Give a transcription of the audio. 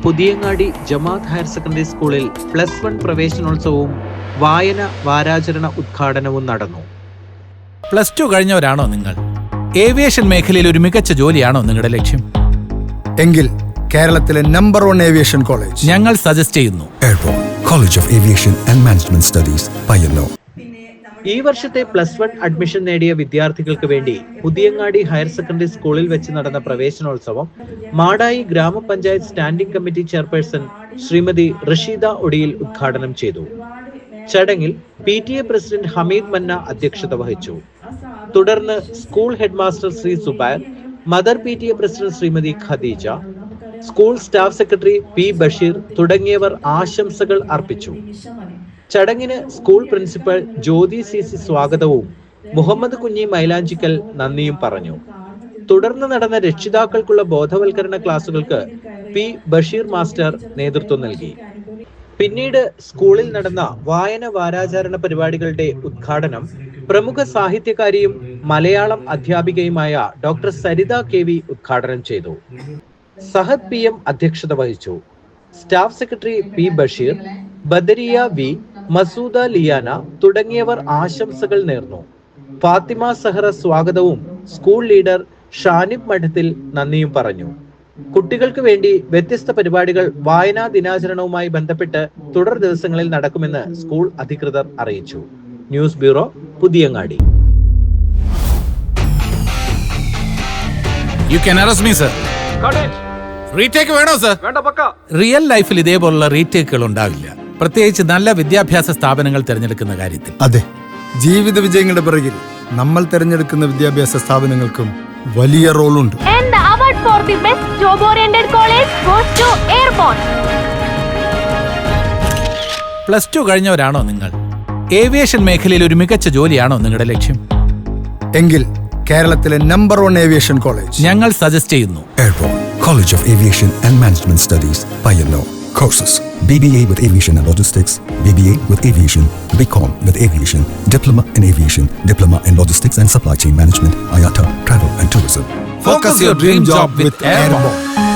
പുതിയങ്ങാടി ജമാഅത്ത് higher secondary സ്കൂളിൽ +1 പ്രവേശനോത്സവവും വായന വാരാചരണ ഉദ്ഘാടനവും നടന്നു. +2 കഴിഞ്ഞവരാണോ നിങ്ങൾ? ഏവിയേഷൻ മേഖലയിൽ ഒരു മികച്ച ജോലിയാണോ നിങ്ങളുടെ ലക്ഷ്യം? എങ്കിൽ കേരളത്തിലെ നമ്പർ 1 ഏവിയേഷൻ കോളേജ് ഞങ്ങൾ സജസ്റ്റ് ചെയ്യുന്നു. Airport college of aviation and management studies, Payyannur. ഈ വർഷത്തെ +1 അഡ്മിഷൻ നേടിയ വിദ്യാർത്ഥികൾക്ക് വേണ്ടി പുതിയങ്ങാടി ഹയർ സെക്കൻഡറി സ്കൂളിൽ വെച്ച് നടന്ന പ്രവേശനോത്സവം മാടായി ഗ്രാമപഞ്ചായത്ത് standing committee chairperson Shrimati Rasheeda ഒടിയിൽ ഉദ്ഘാടനം ചെയ്തു. ചടങ്ങിൽ PTA പ്രസിഡന്റ് ഹമീദ് മന്ന അധ്യക്ഷത വഹിച്ചു. തുടർന്ന് school headmaster Shri Zubair, mother PTA president Shrimati Khadeeja, school staff secretary P Basheer തുടങ്ങിയവർ ആശംസകൾ അർപ്പിച്ചു. ചടങ്ങിന് സ്കൂൾ പ്രിൻസിപ്പൽ ജ്യോതി CC സ്വാഗതവും മുഹമ്മദ് കുഞ്ഞി മൈലാഞ്ചിക്കൽ നന്ദിയും പറഞ്ഞു. തുടർന്ന് നടന്ന രക്ഷിതാക്കൾക്കുള്ള ബോധവൽക്കരണ ക്ലാസുകൾക്ക് P ബഷീർ മാസ്റ്റർ നേതൃത്വം നൽകി. പിന്നീട് സ്കൂളിൽ നടന്ന വായന വാരാചരണ പരിപാടികളുടെ ഉദ്ഘാടനം പ്രമുഖ സാഹിത്യകാരിയും മലയാളം അധ്യാപികയുമായ ഡോക്ടർ സരിത KV ഉദ്ഘാടനം ചെയ്തു. സഹദ് PM അധ്യക്ഷത വഹിച്ചു. Staff secretary P Basheer, Badariya V, Masooda Liyana തുടങ്ങിയവർ ആശംസകൾ നേർന്നു. ഫാത്തിമ സഹറ സ്വാഗതവും സ്കൂൾ ലീഡർ ഷാനിബ് മഠത്തിൽ നന്ദിയും പറഞ്ഞു. കുട്ടികൾക്ക് വേണ്ടി വ്യത്യസ്ത പരിപാടികൾ വായനാ ദിനാചരണവുമായി ബന്ധപ്പെട്ട് തുടർ ദിവസങ്ങളിൽ നടക്കുമെന്ന് സ്കൂൾ അധികൃതർ അറിയിച്ചു. News bureau, Puthiyangadi. റിയൽ ലൈഫിൽ ഇതേപോലുള്ള റീടേക്കുകൾ ഉണ്ടാവില്ല, പ്രത്യേകിച്ച് നല്ല വിദ്യാഭ്യാസ സ്ഥാപനങ്ങൾ തിരഞ്ഞെടുക്കുന്ന കാര്യത്തിൽ. അതെ, ജീവിത വിജയങ്ങളുടെ പിറകിൽ നമ്മൾ തിരഞ്ഞെടുക്കുന്ന വിദ്യാഭ്യാസ സ്ഥാപനങ്ങൾക്കും വലിയ റോളുണ്ട്. For the best job-oriented college goes to Airborne. +2 കഴിഞ്ഞവരാണോ നിങ്ങൾ? ഏവിയേഷൻ മേഖലയിൽ ഒരു മികച്ച ജോലിയാണോ നിങ്ങളുടെ ലക്ഷ്യം? എങ്കിൽ കേരളത്തിലെ നമ്പർ 1 ഏവിയേഷൻ കോളേജ് ഞങ്ങൾ സജസ്റ്റ് ചെയ്യുന്നു. Airport college of aviation and management studies, Payyannur. Courses: BBA with Aviation and Logistics, BBA with Aviation, BCom with Aviation, Diploma in Aviation, Diploma in Logistics and Supply Chain Management, IATA Travel and Tourism. Focus your dream job with Airborne.